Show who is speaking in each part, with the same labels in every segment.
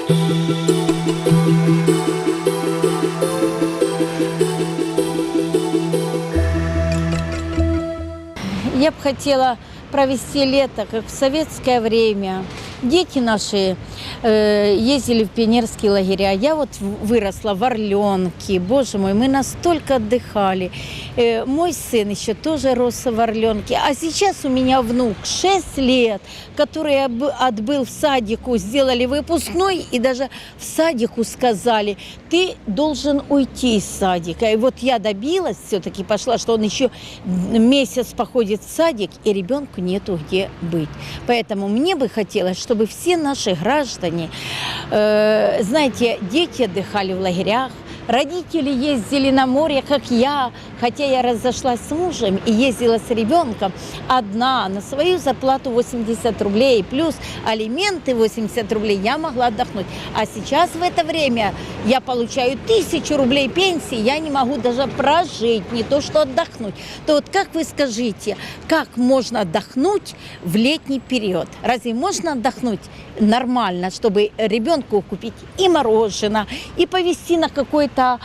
Speaker 1: Я бы хотела провести лето, как в советское время. Дети наши ездили в пионерские лагеря. Я вот выросла в Орленке. Боже мой, мы настолько отдыхали. Мой сын еще тоже рос в Орленке. А сейчас у меня внук 6 лет, который отбыл в садику, сделали выпускной, и даже в садику сказали, ты должен уйти из садика. И вот я добилась, все-таки пошла, что он еще месяц походит в садик, и ребенку нету где быть. Поэтому мне бы хотелось, чтобы все наши граждане, знаете, дети отдыхали в лагерях, родители ездили на море, как я, хотя я разошлась с мужем и ездила с ребенком одна на свою зарплату 80 рублей, плюс алименты 80 рублей, я могла отдохнуть. А сейчас в это время я получаю 1000 рублей пенсии, я не могу даже прожить, не то что отдохнуть. То вот как вы скажите, как можно отдохнуть в летний период? Разве можно отдохнуть нормально, чтобы ребенку купить и мороженое, и повезти на какой-то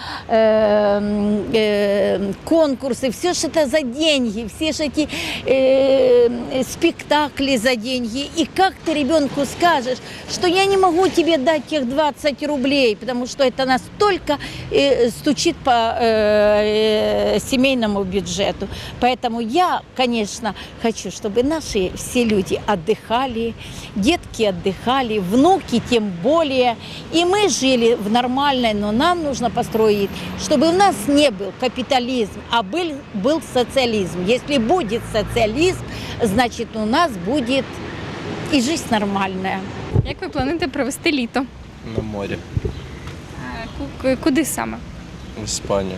Speaker 1: конкурсы, все же это за деньги, все же эти спектакли за деньги. И как ты ребенку скажешь, что я не могу тебе дать тех 20 рублей, потому что это настолько стучит по семейному бюджету. Поэтому я, конечно, хочу, чтобы наши все люди отдыхали, детки отдыхали, внуки тем более. И мы жили в нормальной, но нам нужно построить, чтобы у нас не был капитализм, а был социализм. Если будет социализм, значит у нас будет і життя нормальна.
Speaker 2: Як ви плануєте провести літо?
Speaker 3: На морі.
Speaker 2: Куди саме?
Speaker 3: В Іспанію.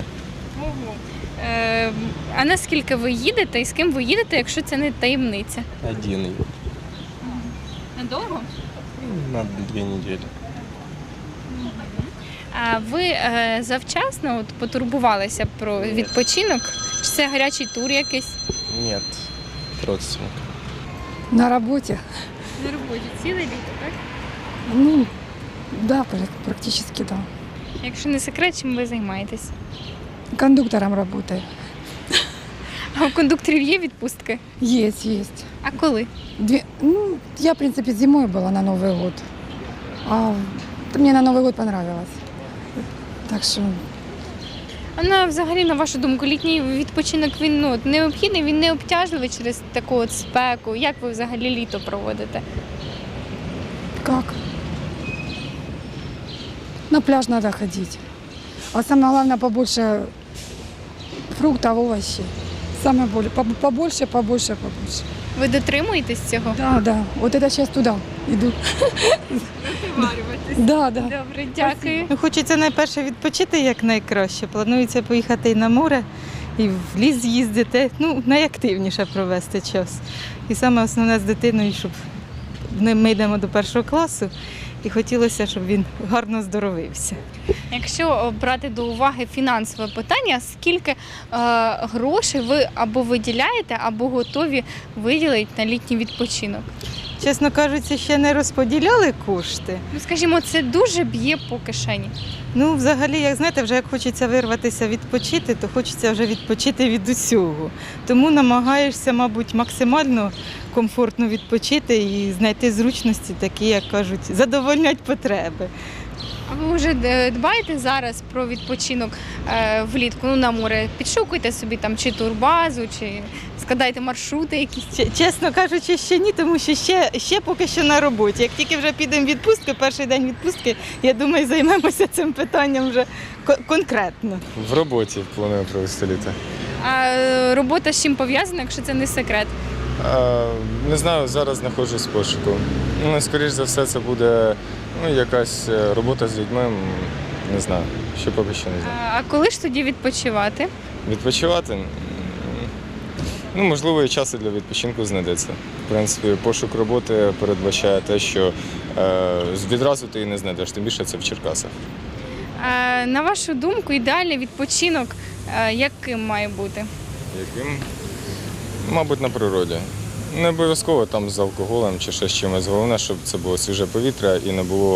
Speaker 2: А наскільки ви їдете і з ким ви їдете, якщо це не таємниця?
Speaker 3: Один.
Speaker 2: Надовго?
Speaker 3: На 2 недели.
Speaker 2: А ви завчасно потурбувалися про відпочинок? Чи це гарячий тур якийсь?
Speaker 3: Нет. Родственник.
Speaker 4: На работе?
Speaker 2: На роботі ціле літо, так?
Speaker 4: Ну, да, практически да.
Speaker 2: Якщо не секрет, чим ви займаєтесь?
Speaker 4: Кондуктором работаю.
Speaker 2: А у кондукторів є відпустки?
Speaker 4: Есть.
Speaker 2: А коли?
Speaker 4: Я, в принципе, зимой была на Новый год. А мне на Новый год понравилось. Так что
Speaker 2: А взагалі, на вашу думку, літній відпочинок, він необхідний, він не обтяжливий через таку от спеку? Як ви взагалі літо проводите?
Speaker 4: как? На пляж надо ходить. А самое главное, побольше фруктов, овощей. Самое побольше.
Speaker 2: Ви дотримуєтесь цього?
Speaker 4: Да. Вот это сейчас туда иду. Да.
Speaker 2: Добре, дякую.
Speaker 5: Хочеться найперше відпочити якнайкраще. Планується поїхати і на море, і в ліс з'їздити, найактивніше провести час. І саме основне з дитиною, щоб ми йдемо до 1 класу, і хотілося, щоб він гарно здоровився.
Speaker 2: Якщо брати до уваги фінансове питання, скільки грошей ви або виділяєте, або готові виділити на літній відпочинок?
Speaker 5: Чесно кажучи, ще не розподіляли кошти.
Speaker 2: Скажімо, це дуже б'є по кишені.
Speaker 5: Взагалі, як хочеться вирватися відпочити, то хочеться вже відпочити від усього. Тому намагаєшся, мабуть, максимально комфортно відпочити і знайти зручності такі, як кажуть, задовольнять потреби.
Speaker 2: А ви вже дбаєте зараз про відпочинок влітку, на море? Підшукуєте собі там чи турбазу, чи складаєте маршрути якісь?
Speaker 5: Чесно кажучи, ще ні, тому що ще поки що на роботі. Як тільки вже підемо в відпустку, перший день відпустки, я думаю, займемося цим питанням вже конкретно.
Speaker 3: В роботі планую провести літо.
Speaker 2: А робота з чим пов'язана, якщо це не секрет?
Speaker 3: Не знаю, зараз знаходжусь в пошуку. Скоріш за все, це буде якась робота з людьми, не знаю, ще поки що не знаю.
Speaker 2: А коли ж тоді відпочивати?
Speaker 3: Відпочивати? Можливо, і часу для відпочинку знайдеться. В принципі, пошук роботи передбачає те, що відразу ти її не знайдеш, тим більше це в Черкасах.
Speaker 2: На вашу думку, ідеальний відпочинок яким має бути?
Speaker 3: Яким? Мабуть, на природі. Не обов'язково там з алкоголем чи ще з чимось. Головне, щоб це було свіже повітря і не було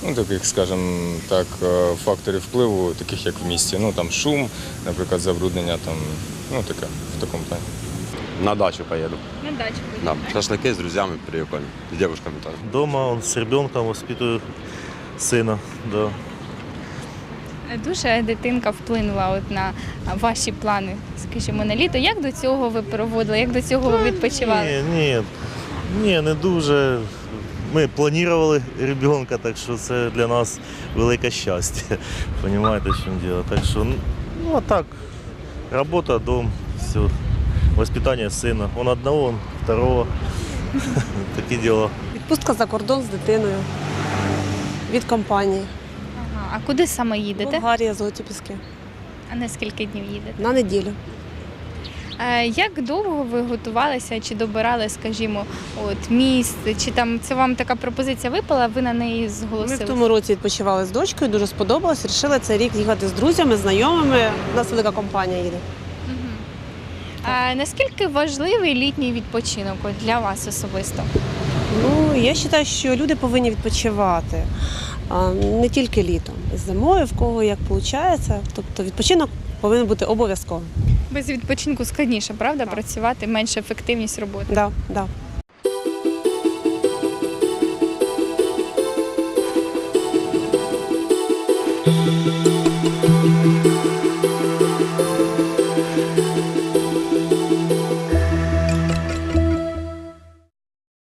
Speaker 3: таких, скажімо так, факторів впливу, таких як в місті. Ну, там шум, наприклад, забруднення, там, ну, таке, в такому плані.
Speaker 6: На дачу поеду.
Speaker 2: На дачу
Speaker 6: Да, шашлыки с друзьями прикольно, с девушками тоже.
Speaker 7: Дома он с ребенком воспитываю сына, да.
Speaker 2: Дуже дитинка вплинула от на ваші плани, скажімо, на літо. Як до цього ви проводили, як до цього ви відпочивали?
Speaker 7: Ні, не дуже. Ми планували ребенка, так що це для нас велике щастя. Понимаєте, в чому діло. Так що, ну а так, робота, дом, все. Воспитання сина. Он одного, он второго. Такі діла.
Speaker 8: Відпустка за кордон з дитиною від компанії.
Speaker 2: Ага. А куди саме їдете?
Speaker 8: Болгарія, Золоті Піски.
Speaker 2: А на скільки днів їдете?
Speaker 8: На неділю.
Speaker 2: Як довго ви готувалися чи добирали, скажімо, от місце, чи там це вам така пропозиція випала, ви на неї
Speaker 8: Ми
Speaker 2: зголосилися?
Speaker 8: в тому році відпочивали з дочкою, дуже сподобалось. Рішили цей рік їхати з друзями, знайомими. У нас велика компанія їде.
Speaker 2: Мгм. А наскільки важливий літній відпочинок от для вас особисто?
Speaker 8: Ну, я вважаю, що люди повинні відпочивати. Не тільки літом. Зимою, в кого як виходить. Тобто відпочинок повинен бути обов'язковим.
Speaker 2: Без відпочинку складніше, правда, працювати, менша ефективність роботи.
Speaker 8: Да, да.
Speaker 9: Thank